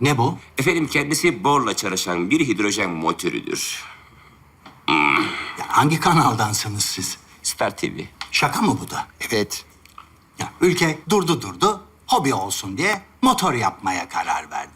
Ne bu? Efendim kendisi borla çalışan bir hidrojen motorüdür. Ya hangi kanaldansınız siz? Star TV. Şaka mı bu da? Evet. Ya ülke durdu, hobi olsun diye motor yapmaya karar verdi.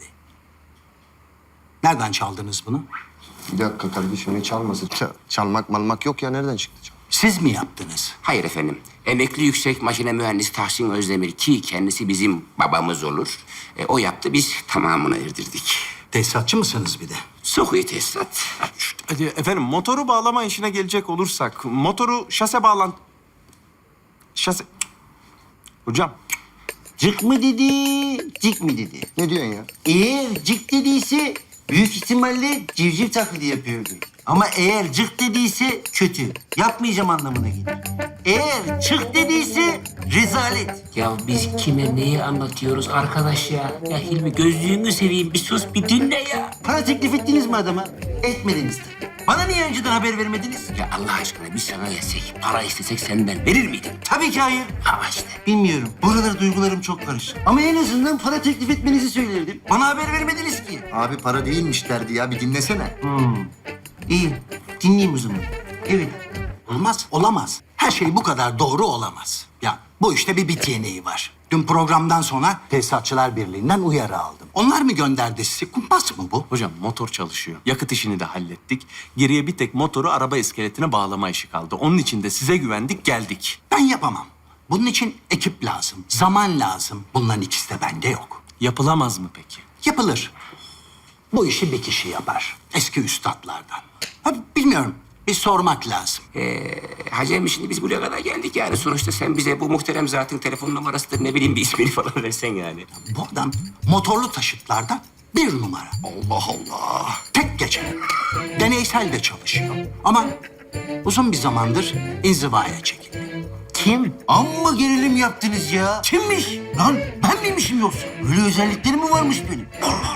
Nereden çaldınız bunu? Bir dakika kardeşim, ne çalması? Çalmak malmak yok ya, nereden çıktı? Siz mi yaptınız? Hayır efendim. Emekli yüksek makine mühendisi Tahsin Özdemir ki kendisi bizim babamız olur. O yaptı, biz tamamını erdirdik. Tesisatçı mısınız bir de? Sokuyu tesisat. Hadi efendim, motoru bağlama işine gelecek olursak... motoru şase bağlan... Şase... Hocam, Cık mı dedi, cik mi dedi? Ne diyorsun ya? Eğer cık dediyse büyük ihtimalle civciv taklidi yapıyordu. Ama eğer cık dediyse kötü, yapmayacağım anlamına gelir. Eğer çık dediyse rezalet. Ya biz kime neyi anlatıyoruz arkadaş ya? Ya Hilmi gözlüğünü seveyim, bir sus bir dinle ya. Para teklif ettiniz mi adama? Etmediniz tabii. Bana niye önceden haber vermediniz? Ya Allah aşkına biz sana gelsek, para istesek senden verir miydin? Tabii ki hayır. Ama işte. Bilmiyorum. Bu aralar duygularım çok karışık. Ama en azından para teklif etmenizi söylerdim. Bana haber vermediniz ki. Abi para değilmiş derdi ya, bir dinlesene. İyi, dinleyeyim o zaman. Evet. Olmaz, olamaz. Her şey bu kadar doğru olamaz. Ya bu işte bir bit yeneği var. Dün programdan sonra Tesisatçılar Birliği'nden uyarı aldım. Onlar mı gönderdi sizi? Kumpas mı bu? hocam motor çalışıyor. Yakıt işini de hallettik. Geriye bir tek motoru araba iskeletine bağlama işi kaldı. Onun için de size güvendik, geldik. Ben yapamam. Bunun için ekip lazım, zaman lazım. Bunların ikisi de bende yok. Yapılamaz mı peki? Yapılır. Bu işi bir kişi yapar. Eski üstadlardan. Ha, bilmiyorum. Bir sormak lazım. Hacem şimdi biz buraya kadar geldik yani. Sonuçta sen bize bu muhterem zatın telefon numarasıdır, ne bileyim bir ismini falan versen yani. Bu adam motorlu taşıtlarda bir numara. Allah Allah. Tek geçen. Deneysel de çalışıyor. Ama uzun bir zamandır inzivaya çekildi. Kim? Amma gerilim yaptınız ya. Kimmiş? Lan ben miymişim yoksa? Öyle özellikleri mi varmış benim?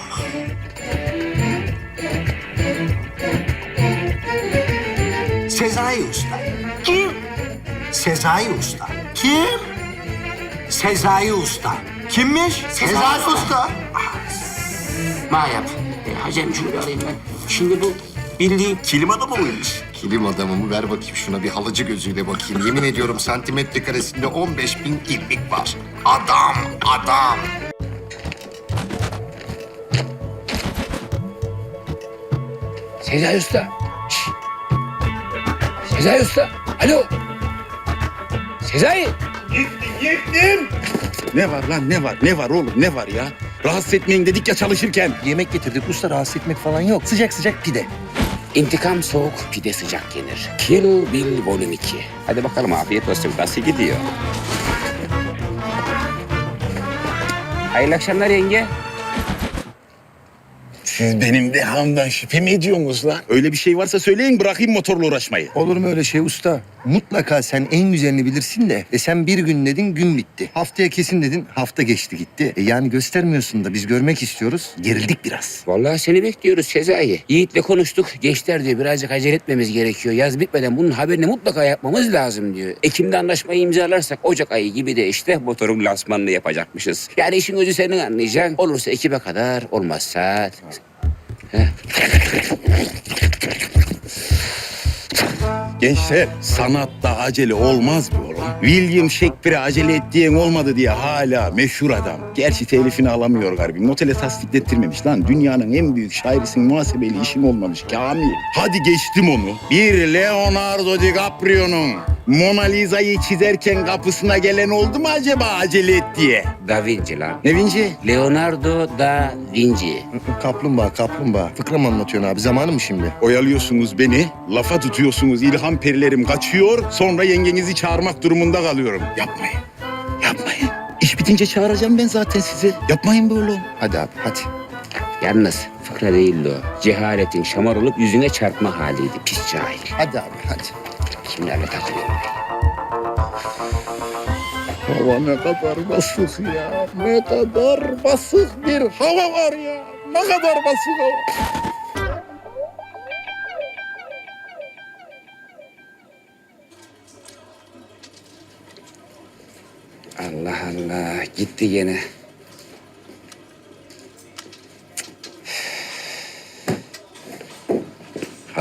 Sezai Usta. Kim? Sezai Usta. Kim? Sezai Usta. Kimmiş? Sezai Usta. Ma yap. Hacem şunu bir alayım ben. Şimdi bu bildiğin kilim adamı mıymış? Kilim adamımı ver bakayım şuna, bir halıcı gözüyle bakayım. Yemin ediyorum santimetre karesinde 15.000 ilmik var. Adam, adam. Sezai Usta. Şşş. Sezai Usta. Alo. Sezai. Ne var lan, ne var? Ne var oğlum, ne var ya? Rahatsız etmeyin dedik ya çalışırken. Yemek getirdik usta, rahatsız etmek falan yok. Sıcak sıcak pide. İntikam soğuk, pide sıcak yenir. Kill Bill Volume 2. Hadi bakalım, afiyet olsun. Nasıl gidiyor? Hayırlı akşamlar yenge. Siz benim dehamdan şüphe mi ediyorsunuz lan? Öyle bir şey varsa söyleyin, bırakayım motorla uğraşmayı. Olur mu öyle şey usta? Mutlaka sen en güzelini bilirsin de. Sen bir gün dedin, gün bitti. Haftaya kesin dedin, hafta geçti gitti. Yani göstermiyorsun da biz görmek istiyoruz. Gerildik biraz. Vallahi seni bekliyoruz Sezai. Yiğit'le konuştuk. Gençler diyor birazcık acele etmemiz gerekiyor. Yaz bitmeden bunun haberini mutlaka yapmamız lazım diyor. Ekim'de anlaşmayı imzalarsak Ocak ayı gibi de işte motorun lansmanını yapacakmışız. Yani işin özü senin anlayacaksın. Olursa Ekim'e kadar, olmazsa... Gençler, sanatta acele olmaz mı oğlum? William Shakespeare'e acele et diyen olmadı diye hala meşhur adam. Gerçi telifini alamıyor galiba. Notele tasdiklettirmemiş lan. Dünyanın en büyük şairisin, muhasebeli işin olmamış Kamil. Hadi geçtim onu. Bir Leonardo DiCaprio'nun Mona Lisa'yı çizerken kapısına gelen oldu mu acaba acele et diye? Da Vinci lan. Ne Vinci? Leonardo da Vinci. Kaplumbağa, kaplumbağa. Fıkra mı anlatıyorsun abi? Zamanı mı şimdi? Oyalıyorsunuz beni, lafa tutuyorsunuz, ilham perilerim kaçıyor, sonra yengenizi çağırmak durumunda kalıyorum. Yapmayın, yapmayın. İş bitince çağıracağım ben zaten sizi. Yapmayın böyle. Hadi abi, hadi. Yalnız fıkra değildi o. Cehaletin şamar olup yüzüne çarpma haliydi. Pis cahil. Hadi abi, hadi. Kimlerle takılıyorum? Hava ne kadar basık ya. Ne kadar basık bir hava var ya. Ne kadar basık hava. Allah Allah. Gitti gene. Cık.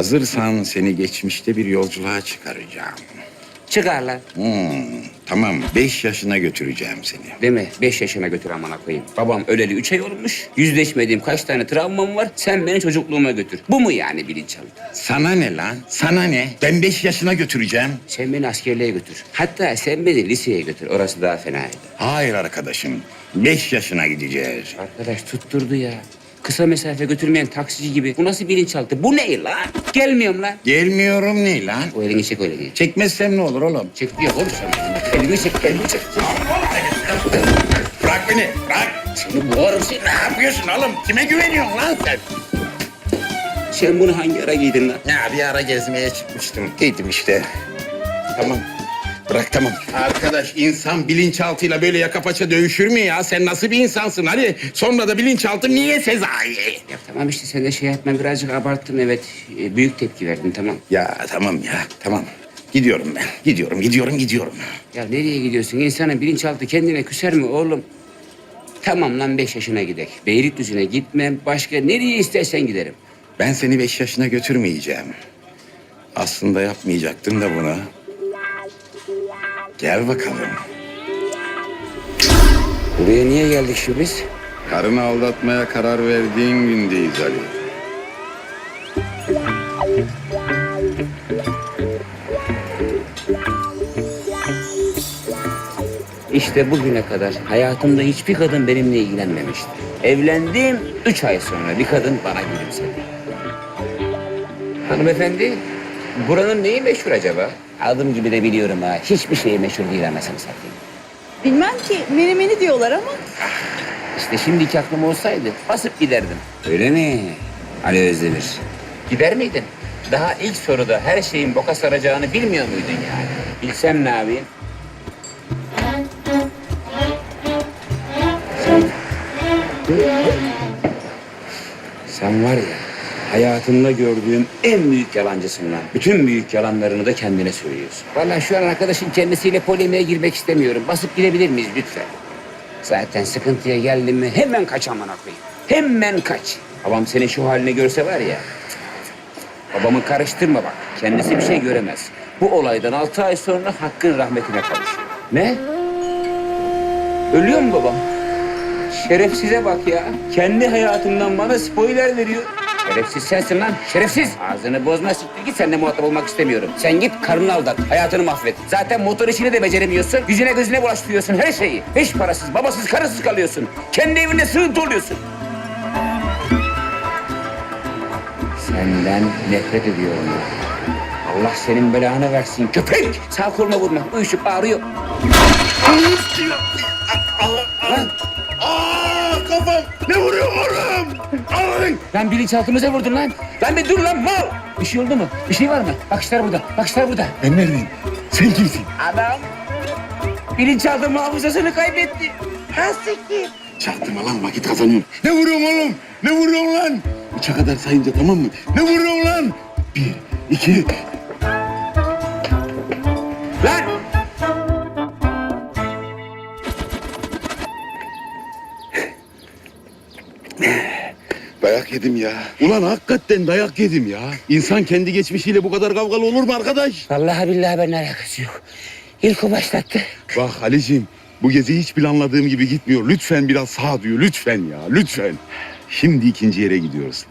Hazırsan seni geçmişte bir yolculuğa çıkaracağım. Çıkar lan. Tamam, 5 yaşına götüreceğim seni. Değil mi? 5 yaşına götür amına koyayım. Babam öleli 3 ay olmuş. Yüzleşmediğim kaç tane travmam var. Sen beni çocukluğuma götür. Bu mu yani bilinçaltı? Sana ne lan? Sana ne? Ben 5 yaşına götüreceğim. Sen beni askerliğe götür. Hatta sen beni liseye götür. Orası daha fenaydı. Hayır arkadaşım, 5 yaşına gideceğiz. Arkadaş tutturdu ya. Kısa mesafe götürmeyen taksici gibi. Bu nasıl bilinçaltı? Bu ne lan? Gelmiyorum lan. Gelmiyorum ne lan? O elini çek, o elini. Çekmezsem ne olur oğlum? Çek diyor oğlum sen. Elini çek, elini çek. Bırak beni, bırak. Seni boğarım seni. Ne yapıyorsun oğlum? Kime güveniyorsun lan sen? Sen bunu hangi ara giydin lan? Ya bir ara gezmeye çıkmıştım. Giydim işte. Tamam. Bırak tamam. Arkadaş insan bilinçaltıyla böyle yaka paça dövüşür mü ya? Sen nasıl bir insansın? Hadi sonra da bilinçaltı niye Sezai? Ya tamam işte sen de şey yapma, birazcık abarttın evet. Büyük tepki verdin tamam. Ya tamam ya tamam. Gidiyorum ben. Gidiyorum. Ya nereye gidiyorsun? İnsanın bilinçaltı kendine küser mi oğlum? Tamam lan 5 yaşına gidek. Beylikdüzü'ne gitmem. Başka nereye istersen giderim. Ben seni 5 yaşına götürmeyeceğim. Aslında yapmayacaktım da bunu. Gel bakalım. Buraya niye geldik şimdi biz? Karını aldatmaya karar verdiğin gündeyiz Ali. İşte bugüne kadar hayatımda hiçbir kadın benimle ilgilenmemişti. Evlendim 3 ay sonra bir kadın bana gülümsedi. Hanımefendi, buranın neyi meşhur acaba? Adım gibi de biliyorum ha. Hiçbir şey meşhur değil anasını satayım. Bilmem ki menemeni diyorlar ama. İşte şimdiki aklım olsaydı basıp giderdim. Öyle mi? Ali Özdemir. Gider miydin? Daha ilk soruda her şeyin boka saracağını bilmiyor muydun yani? Bilsem ne yapayım? Sen var ya, hayatımda gördüğüm en büyük yalancısın lan. Bütün büyük yalanlarını da kendine söylüyorsun. Vallahi şu an arkadaşın kendisiyle polemiğe girmek istemiyorum. Basıp gidebilir miyiz lütfen? Zaten sıkıntıya geldin mi hemen kaç amına koyayım. Hemen kaç. Babam senin şu halini görse var ya. Babamı karıştırma bak. Kendisi bir şey göremez. Bu olaydan 6 ay sonra Hakk'ın rahmetine kavuşuyor. Ne? Ölüyor mu babam? Şerefsize bak ya. Kendi hayatından bana spoiler veriyor. Şerefsiz sensin lan, şerefsiz. Ağzını bozma, siktir git, seninle muhatap olmak istemiyorum. Sen git karını aldat, hayatını mahvet. Zaten motor işini de beceremiyorsun. Yüzüne gözüne bulaştırıyorsun her şeyi. Hiç parasız, babasız, karısız kalıyorsun. Kendi evinde sığıntı oluyorsun. Senden nefret ediyorum ya. Allah senin belanı versin köpek. Sağ koluma vurma, uyuşup ağrıyor. Lan. Kafam! Ne vuruyor oğlum? Ay! Lan bilinçaltımıza vurdun lan. Lan bir dur lan mal. Bir şey oldu mu? Bir şey var mı? Bakışlar burada, bakışlar burada. Ben neredeyim? Sen kimsin? Adam bilinçaltı hafızasını kaybetti. Hastiktir. Çaktırma lan vakit kazanıyorum. Ne vuruyorsun oğlum? Ne vuruyorsun lan? 3'e kadar sayınca tamam mı? Ne vuruyorsun lan? 1, 2... Lan! Dayak yedim ya. Ulan hakikaten dayak yedim ya. İnsan kendi geçmişiyle bu kadar kavgalı olur mu arkadaş? Vallahi billahi benimle alakası yok. İlk o başlattı. Bak Halicim, bu gezi hiç planladığım gibi gitmiyor. Lütfen biraz sağduyu, lütfen ya, lütfen. Şimdi ikinci yere gidiyoruz.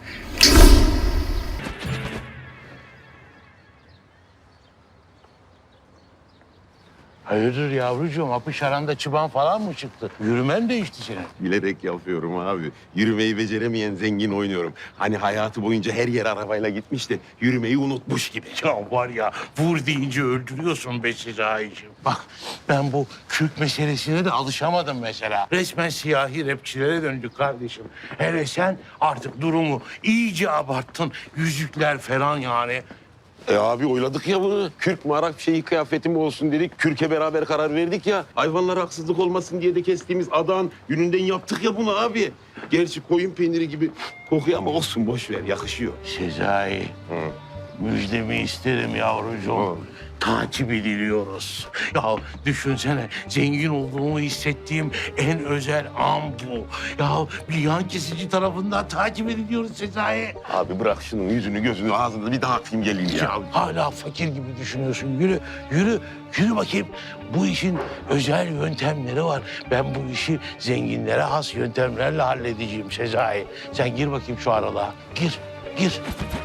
Hayırdır yavrucuğum? Apış aranda çıban falan mı çıktı? Yürümen değişti senin. Bilerek yapıyorum abi. Yürümeyi beceremeyen zengin oynuyorum. Hani hayatı boyunca her yer arabayla gitmiş de yürümeyi unutmuş gibi. Ya var ya vur deyince öldürüyorsun be Sezai'ciğim. Bak ben bu Kürk meselesine de alışamadım mesela. Resmen siyahi rapçilere döndük kardeşim. Hele sen artık durumu iyice abarttın. Yüzükler falan yani. Abi oyladık ya bunu. Kürk mü Arap şeyi kıyafetim olsun dedik. Kürke beraber karar verdik ya. Hayvanlara haksızlık olmasın diye de kestiğimiz adağın yününden yaptık ya bunu abi. Gerçi koyun peyniri gibi kokuyor ama olsun boş ver yakışıyor. Sezai, müjdemi isterim yavrucuğum. takip ediliyoruz. Ya düşünsene, zengin olduğumu hissettiğim en özel an bu. Ya bir yan kesici tarafından takip ediliyoruz Sezai. Abi bırak şunun yüzünü gözünü ağzını bir dağıtayım geleyim ya. Ya hala fakir gibi düşünüyorsun. Yürü, yürü, yürü bakayım. Bu işin özel yöntemleri var. Ben bu işi zenginlere has yöntemlerle halledeceğim Sezai. Sen gir bakayım şu aralığa. Gir, gir.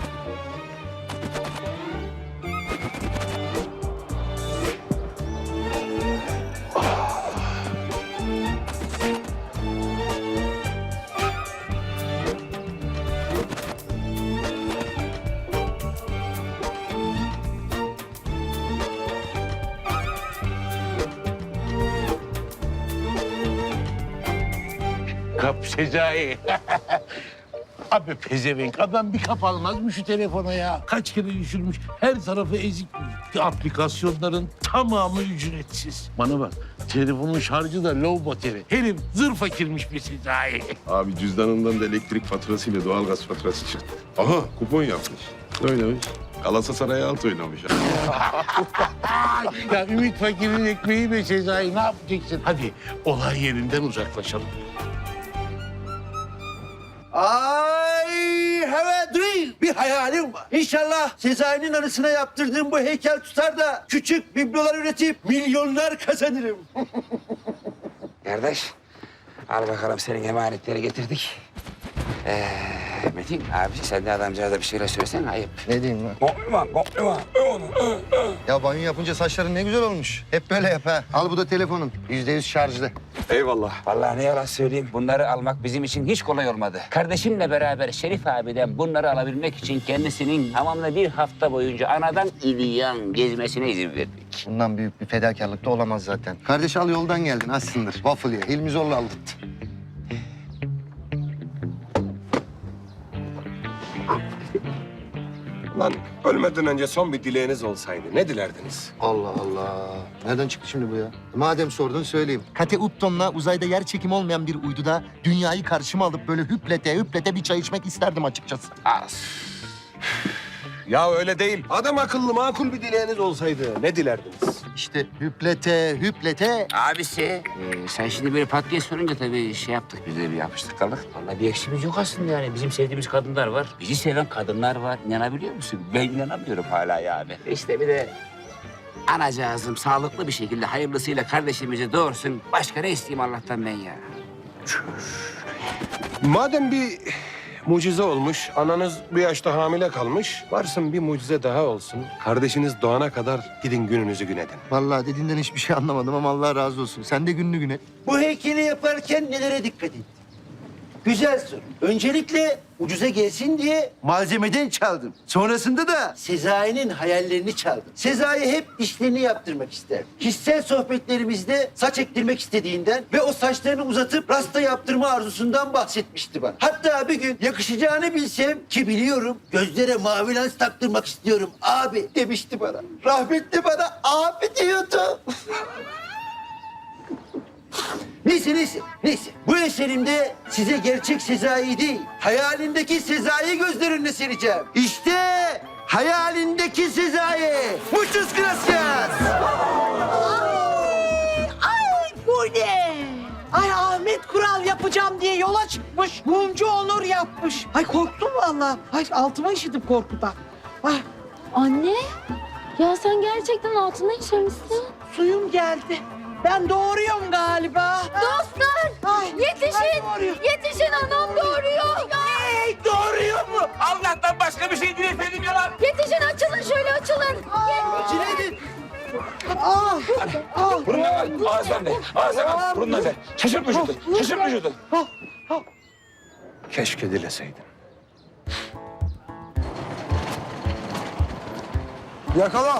Kap Sezai. Abi pezevenk adam bir kap almaz mı şu telefona ya? Kaç kere düşürmüş, her tarafı ezik. Aplikasyonların tamamı ücretsiz. Bana bak, telefonun şarjı da low battery. Herif zır fakirmiş bir Sezai. Abi cüzdanından da elektrik faturasıyla doğalgaz faturası çıktı. Aha kupon yapmış. Oynamış. Galatasaray'a alt oynamış. Ya Ümit Fakir'in ekmeği be Sezai, ne yapacaksın? Hadi olay yerinden uzaklaşalım. Ay have a dream. Bir hayalim var. İnşallah Sezai'nin anısına yaptırdığım bu heykel tutar da küçük biblolar üretip milyonlar kazanırım. Kardeş, al bakalım senin emanetleri getirdik. Metin abi sen de adamcağıza bir şeyler söylesene ayıp. Ne diyeyim lan? Kokluma. Ya banyo yapınca saçların ne güzel olmuş. Hep böyle yap ha. Al bu da telefonun. %100 şarjlı. Eyvallah. Vallahi ne yalan söyleyeyim, bunları almak bizim için hiç kolay olmadı. Kardeşimle beraber Şerif abiden bunları alabilmek için kendisinin tamamla bir hafta boyunca anadan İlyan gezmesine izin verdik. Bundan büyük bir fedakarlık da olamaz zaten. Kardeş al yoldan geldin açsındır. Waffle ye. Hilmi zorla aldırttı. Lan ölmeden önce son bir dileğiniz olsaydı ne dilerdiniz? Allah Allah. Nereden çıktı şimdi bu ya? Madem sordun söyleyeyim. Kate Upton'la uzayda yer çekimi olmayan bir uyduda dünyayı karşıma alıp böyle hüplete bir çay içmek isterdim açıkçası. Az. Ya öyle değil. Adam akıllı makul bir dileğiniz olsaydı ne dilerdiniz? İşte hüplete. Abisi, sen şimdi böyle pat diye sorunca tabii şey yaptık, biz de bir yapıştık kaldık. Vallahi bir eksimiz yok aslında yani. Bizim sevdiğimiz kadınlar var, bizi seven kadınlar var. İnanabiliyor musun? Ben inanamıyorum hala yani. İşte bir de anacığızım sağlıklı bir şekilde hayırlısıyla kardeşimizi doğursun. Başka ne isteyeyim Allah'tan ben ya? Madem bir mucize olmuş, ananız bir yaşta hamile kalmış, varsın bir mucize daha olsun. Kardeşiniz doğana kadar gidin gününüzü gün edin. Vallahi dediğinden hiçbir şey anlamadım ama Allah razı olsun. Sen de gününü gün et. Bu heykeli yaparken nelere dikkat ettin? Güzel soru. Öncelikle ucuza gelsin diye malzemeden çaldım. Sonrasında da Sezai'nin hayallerini çaldım. Sezai hep dişlerini yaptırmak ister. Kişisel sohbetlerimizde saç ektirmek istediğinden ve o saçlarını uzatıp rasta yaptırma arzusundan bahsetmişti bana. Hatta bir gün yakışacağını bilsem ki biliyorum gözlere mavi lens taktırmak istiyorum abi demişti bana. Rahmetli bana abi diyordu. Neyse. Bu eserimde size gerçek Sezai değil, hayalindeki Sezai göz önüne sereceğim. İşte hayalindeki Sezai. Muchas gracias. Ay bu ne? Ay Ahmet Kural yapacağım diye yola çıkmış. Mumcu Onur yapmış. Ay korktum vallahi. Ay altıma işittim korkudan. Ay Anne, ya sen gerçekten altına işemişsin. suyum geldi. Ben doğuruyorum galiba. Dostlar, Ay, yetişin! ay doğuruyor. Yetişin, anam doğuruyor. Hey, doğuruyor mu? Allah'tan başka bir şey dilemedim ya lan. Yetişin, açılın şöyle açılın. Cineydin. Burundan ver, ağızdan ver. Ağızdan ver, burundan ver. Şaşırt vücudu. Keşke dileseydin. Yakala.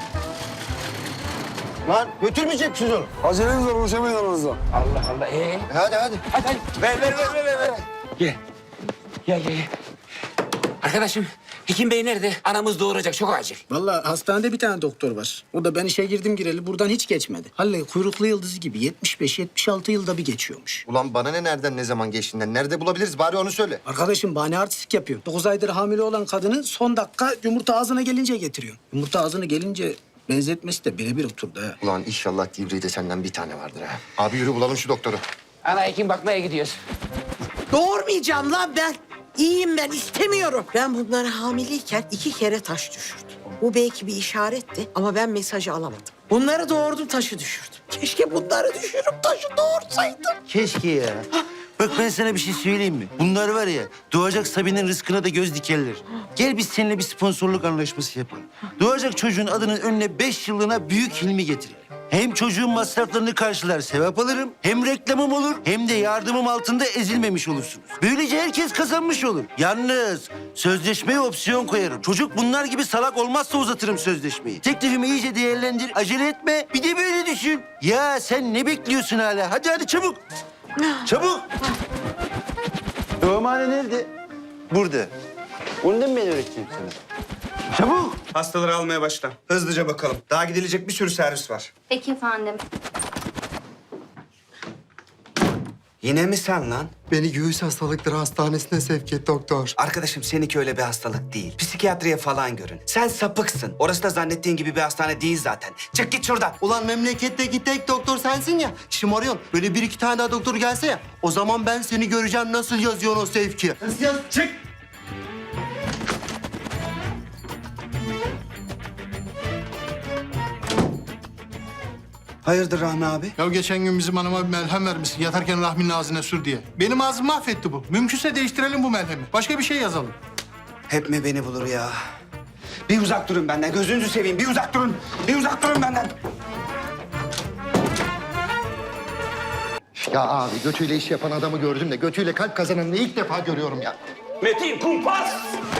Lan götürmeyecek misiniz onu? Aceleniz var, ulaşamayın aranızda. Allah Allah, Hadi. Hadi. Ver. Gel. Arkadaşım, Hekim Bey nerede? Anamız doğuracak, çok acil. Vallahi hastanede bir tane doktor var. O da ben işe girdim gireli buradan hiç geçmedi. Halle kuyruklu yıldızı gibi 75-76 yılda bir geçiyormuş. Ulan bana ne nereden ne zaman geçtiğinden? Nerede bulabiliriz? Bari onu söyle. Arkadaşım bahane artistik yapıyor. 9 aydır hamile olan kadını son dakika yumurta ağzına gelince getiriyor. Yumurta ağzına gelince Benzetmesi de birebir oturdu ha. Ulan inşallah Divri'de senden bir tane vardır ha. Abi yürü bulalım şu doktoru. Ana hekim bakmaya gidiyoruz. Doğurmayacağım lan ben. İyiyim ben, istemiyorum. Ben bunları hamileyken 2 kere taş düşürdüm. Bu belki bir işaretti ama ben mesajı alamadım. Bunları doğurdum, taşı düşürdüm. Keşke bunları düşürüp taşı doğursaydım. Keşke ya. Bak ben sana bir şey söyleyeyim mi? Bunlar var ya, doğacak Sabine'nin rızkına da göz dikerler. Gel biz seninle bir sponsorluk anlaşması yapalım. Doğacak çocuğun adının önüne 5 yıllığına Büyük Hilmi getirelim. Hem çocuğun masraflarını karşılar, sevap alırım. Hem reklamım olur, hem de yardımım altında ezilmemiş olursunuz. Böylece herkes kazanmış olur. Yalnız sözleşmeye opsiyon koyarım. Çocuk bunlar gibi salak olmazsa uzatırım sözleşmeyi. Teklifimi iyice değerlendir, acele etme. Bir de böyle düşün. Ya sen ne bekliyorsun hala? Hadi çabuk. Çabuk. Doğumhane nerede? Burada. Onu da mı ben öğreteceğim sana? Çabuk. Hastaları almaya başla. Hızlıca bakalım. Daha gidilecek bir sürü servis var. Peki efendim. Yine mi sen lan? Beni göğüs hastalıkları hastanesine sevk et doktor. Arkadaşım seninki öyle bir hastalık değil. Psikiyatriye falan görün. Sen sapıksın. Orası da zannettiğin gibi bir hastane değil zaten. Çık git şuradan. Ulan memleketteki tek doktor sensin ya. Şımarıyorsun. Böyle 1-2 tane daha doktor gelse ya. O zaman ben seni göreceğim nasıl yazıyorsun o sevki. Nasıl yaz? Çık. Hayırdır Rahmi abi? Ya geçen gün bizim hanıma bir melhem vermişsin. Yatarken Rahmi'nin ağzına sür diye. Benim ağzımı mahvetti bu. Mümkünse değiştirelim bu melhemi. Başka bir şey yazalım. Hep mi beni bulur ya? Bir uzak durun benden. Gözünüzü seveyim. Bir uzak durun. Bir uzak durun benden. Ya abi götüyle iş yapan adamı gördüm de götüyle kalp kazananını ilk defa görüyorum ya. Metin kumpas!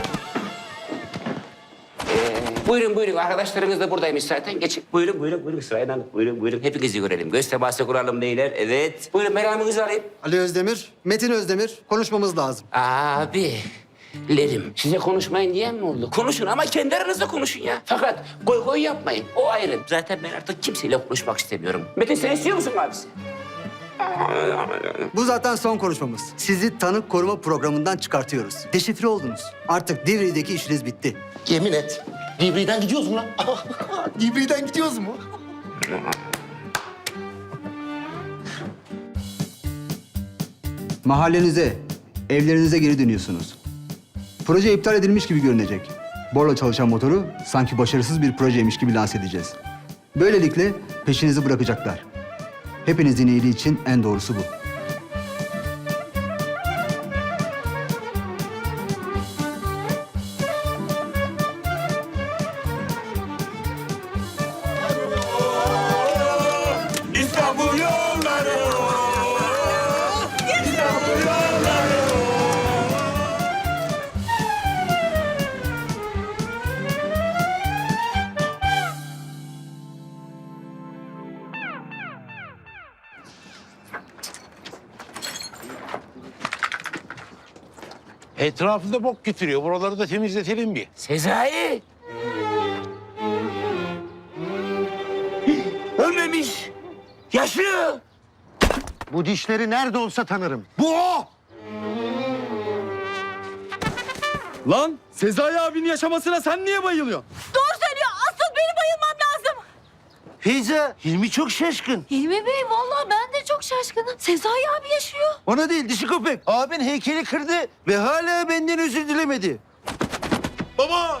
Buyurun arkadaşlarınız da buradaymış zaten. Geçin. Buyurun sırayla. Buyurun. Hepinizi görelim. Göz teması kuralım beyler. Evet. Buyurun meramınızı alayım. Ali Özdemir, Metin Özdemir. Konuşmamız lazım. Abilerim, size konuşmayın diyen mi oldu? Konuşun ama kendi aranızda konuşun ya. Fakat goy yapmayın. O ayrı. Zaten ben artık kimseyle konuşmak istemiyorum. Metin sen istiyor musun abisi? Bu zaten son konuşmamız. Sizi tanık koruma programından çıkartıyoruz. Deşifre oldunuz. Artık Divri'deki işiniz bitti. Yemin et. Divri'den gidiyoruz mu lan? Divri'den gidiyoruz mu? Mahallenize, evlerinize geri dönüyorsunuz. Proje iptal edilmiş gibi görünecek. Borla çalışan motoru sanki başarısız bir projeymiş gibi lanse edeceğiz. Böylelikle peşinizi bırakacaklar. Hepinizin iyiliği için en doğrusu bu. İstanbul yolları. İstanbul yolları. Etrafında bok getiriyor. Buraları da temizletelim bir. Sezai! Ölmemiş. Yaşıyor. Bu dişleri nerede olsa tanırım. Bu o! Lan Sezai abinin yaşamasına sen niye bayılıyorsun? Doğru söylüyor. Asıl benim bayılmam lazım. Feyza, Hilmi çok şaşkın. Hilmi Bey vallahi ben de çok şaşkınım. Sezai abi yaşıyor. Ona değil, dişi köpek. Abin heykeli kırdı ve hala benden özür dilemedi. Baba!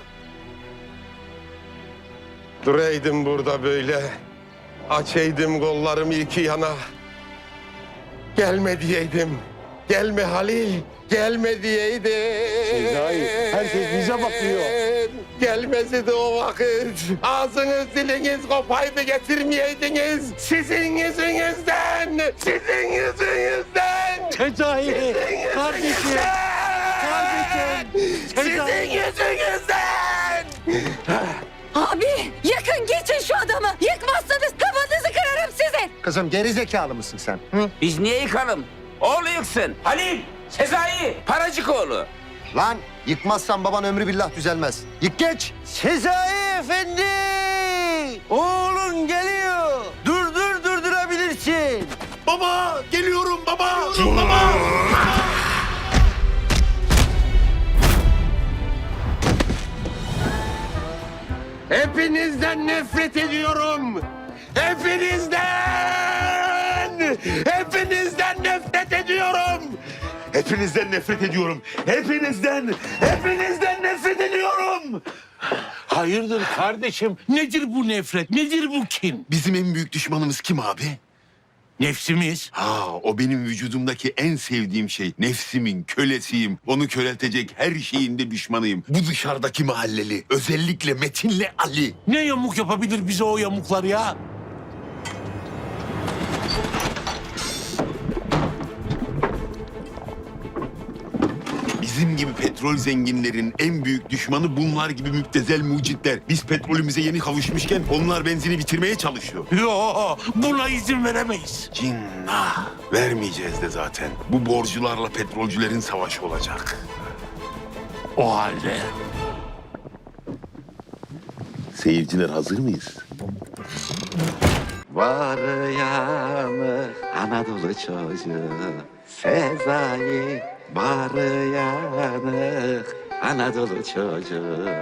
Duraydım burada böyle. Açaydım kollarımı iki yana. Gelme diyeydim. Gelme Halil. Gelme diyeydim. Sezai, herkes bize bakıyor. Gelmesi de o vakit. Ağzınız diliniz kopaydı getirmeyeydiniz. Sizin yüzünüzden. Sizin yüzünüzden. Sezai, kardeşim. Sizin yüzünüzden. Abi yakın geçin şu adamı. Yıkmazsanız kafanızı kırarım sizin. Kızım geri zekalı mısın sen? Hı? Biz niye yıkalım? Oğlu yıksın. Halil, Sezai, Paracıkoğlu. Lan yıkmazsan baban ömrü billah düzelmez. Yık geç. Sezai Efendi! Oğlun geliyor. Durdurabilirsin. Baba geliyorum baba. Baba. Hepinizden nefret ediyorum. Hepinizden! Hepinizden nefret ediyorum. Hepinizden nefret ediyorum. Hepinizden nefret ediyorum. Hayırdır kardeşim? Nedir bu nefret? Nedir bu kin? Bizim en büyük düşmanımız kim abi? Nefsimiz. Ha, o benim vücudumdaki en sevdiğim şey. Nefsimin kölesiyim. Onu köreltecek her şeyin de düşmanıyım. Bu dışarıdaki mahalleli. Özellikle Metin'le Ali. Ne yamuk yapabilir bize o yamuklar ya? Bizim gibi petrol zenginlerin en büyük düşmanı bunlar gibi müptezel mucitler. Biz petrolümüze yeni kavuşmuşken onlar benzini bitirmeye çalışıyor. Yo, buna izin veremeyiz. Cinnah. Vermeyeceğiz de zaten. Bu borcularla petrolcülerin savaşı olacak. O halde Seyirciler hazır mıyız? Var yanı Anadolu çocuğu Sezai var yanı Anadolu çocuğu